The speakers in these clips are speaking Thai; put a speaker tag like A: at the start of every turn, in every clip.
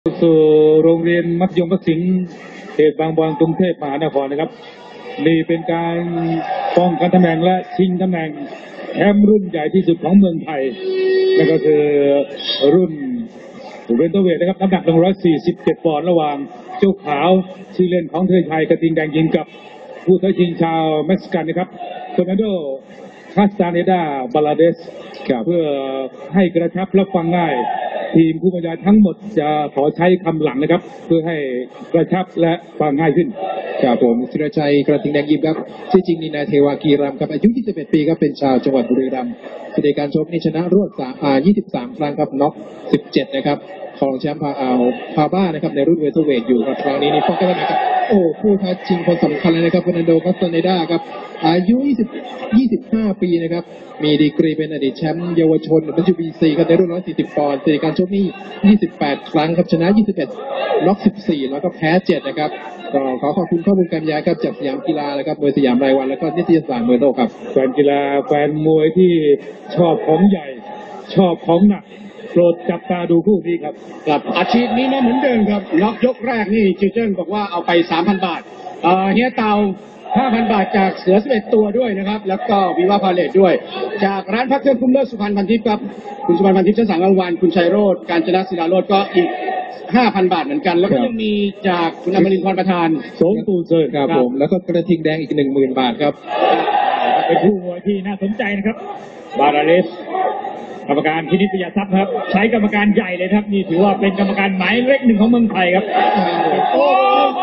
A: สู่โรงเรียนมัธยมพระสิงห์เขตบางบอนกรุงเทพมหานครนะครับนี่เป็นการป้องกันตำแหน่งและชิงตำแหน่งแชมป์รุ่นใหญ่ที่สุดของเมืองไทยนั่นก็คือรุ่นเวนเตอร์เวทนะครับน้ำหนัก147 ปอนด์ระหว่างเจ้าขาวชื่อเล่นของเธอชัยกระทิงแดงยิงกับผู้ท้าชิงชาวเม็กซิกันนะครับโฟนันโดคาสตาเนดาบาลาเดสเพื่อให้กระชับและฟังง่ายทีมผู้บรรยายทั้งหมดจะขอใช้คำหลังนะครับเพื่อให้กระชับและฟังง่ายขึ้น
B: ครับผมธีรชัยกระทิงแดงยิมครับชื่อจริงนี่นายเทวากีรัมครับอายุ21 ปีครับเป็นชาวจังหวัดบุรีรัมย์สถิติการชกนี่ชนะรวด23 ครั้งครับน็อก17นะครับของแชมป์พาบ้านะครับในรุ่นเวเทอร์เวทอยู่ครับครั้งนี้นี่ป้องกันนะครับโอ้ผู้ท้าชิงคนสำคัญเลยนะครับเฟอร์นันโด คาสตาเนดาครับอายุ25 ปีนะครับมีดีกรีเป็นอดีตแชมป์เยาวชนWBC ครับในรุ่น140 ปอนด์สถิติการชกนี่28 ครั้งครับชนะ21น็อก14แล้วก็แพ้7นะครับก็ขอขอบคุณข้อมูลการบรรยายครับจากสยามกีฬาแล้วครับมวยสยามรายวันแล้วก็นิตยสารมวยโลกครับ
A: แฟนกีฬาแฟนมวยที่ชอบของใหญ่ชอบของหนักโปรดจับตาดูคู่นี้ครับ
C: กับอาชีพนี้มาเหมือนเดิมครับน็อกยกแรกนี่จิวเจิ้นบอกว่าเอาไป 3,000 บาทเฮียเตา 5,000 บาทจากเสือ11 ตัวด้วยนะครับแล้วก็วิวาพาเลตด้วยจากร้านพักเครื่องคุ้มเลิศสุพรรณพันทิพย์ครับคุณสุพรรณพันทิพย์ชั้น3รางวัลคุณชัยโรจน์การจนะศิลาโรจน์ก็อีก 5,000 บาทเหมือนกันแล้วก็ยังมีจากคุณอมรินทร์พรประธาน
A: สงตูเซิร์
B: ครับผมแล้วก็กระทิงแดงอีก 10,000 บาทครับ
A: เป็นคู่มวยที่น่าสนใจนะครับบาราเลสกรรมการพินิจปิยทรัพย์ครับใช้กรรมการใหญ่เลยครับนี่ถือว่าเป็นกรรมการหมายเลข1ของเมืองไทยครับโอ้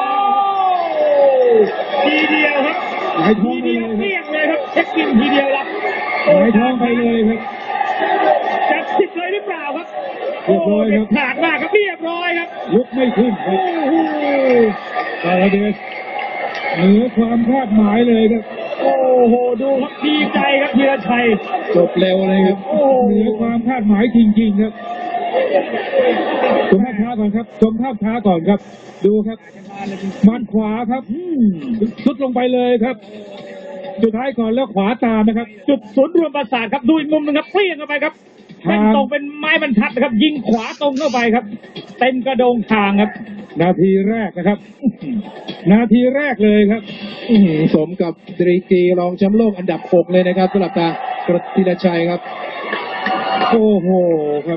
A: ทีเดียวครับทีเดียวเรียกเลยครับเช็คกินทีเดียวรับหายท้องไปเลยครับจับสิบเลยหรือเปล่าครับเรียบร้อยครับขาดมากครับเรียบร้อยครับลุกไม่ขึ้นครับบาราเลสเหนือความคาดหมายเลยครับโอ้โหดูครับดีใจครับธีรชัย
B: จบเร็วเลยครับ
A: เหนือความคาดหมายจริงๆครับชมภาพช้าก่อนครับชมภาพช้าก่อนครับดูครับมัดขวาครับสุดลงไปเลยครับสุดท้ายก่อนแล้วขวาตามนะครับจุดศูนย์รวมประสาทครับดูอีกมุมนึงครับเปรี้ยงเข้าไปครับเป็นตรงเป็นไม้บรรทัดนะครับยิงขวาตรงเข้าไปครับเต็มกระโดงคางครับนาทีแรกนะครับนาทีแรกเลยครับ
B: สมกับดีกรีรองแชมป์โลกอันดับ6เลยนะครับสำหรับทางกระทิงชัยครับ
A: โอ้โหครับ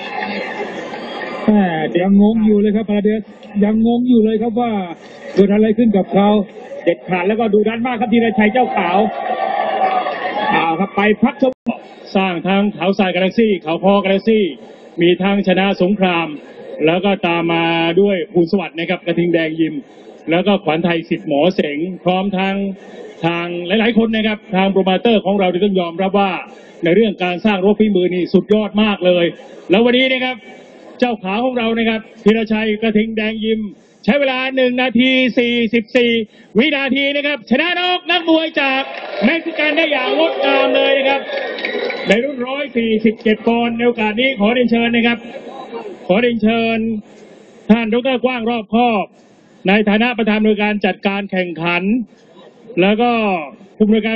A: แต่ยังงงอยู่เลยครับพาราเดสยังงงอยู่เลยครับว่าเกิดอะไรขึ้นกับเขาเด็ดขาดแล้วก็ดูดันมากครับธีรชัยเจ้าขาวครับไปพักชมสร้างทางเขาทรายกาแล็กซี่เขาพอกาแล็กซี่มีทางชนะสงครามแล้วก็ตามมาด้วยภูลสวัสดิ์นะครับกระทิงแดงยิมแล้วก็ขวัญไทยสิทธิ์หมอเสงพร้อมทางหลายๆคนนะครับทางโปรโมเตอร์ของเราต้องยอมรับว่าในเรื่องการสร้างรบฝีมือนี่สุดยอดมากเลยแล้ววันนี้นะครับเจ้าขาของเรานะครับธีรชัยกระทิงแดงยิมใช้เวลา1 นาที 44 วินาทีนะครับชนะน็อกนักมวยจากเม็กซิกันได้อย่างงดงามเลยนะครับในรุ่น147 ปอนด์ในโอกาสนี้ขอเรียนเชิญนะครับขอเรียนเชิญท่านดร.กว้างรอบคอบในฐานะประธานในการจัดการแข่งขันแล้วก็ผู้บริการ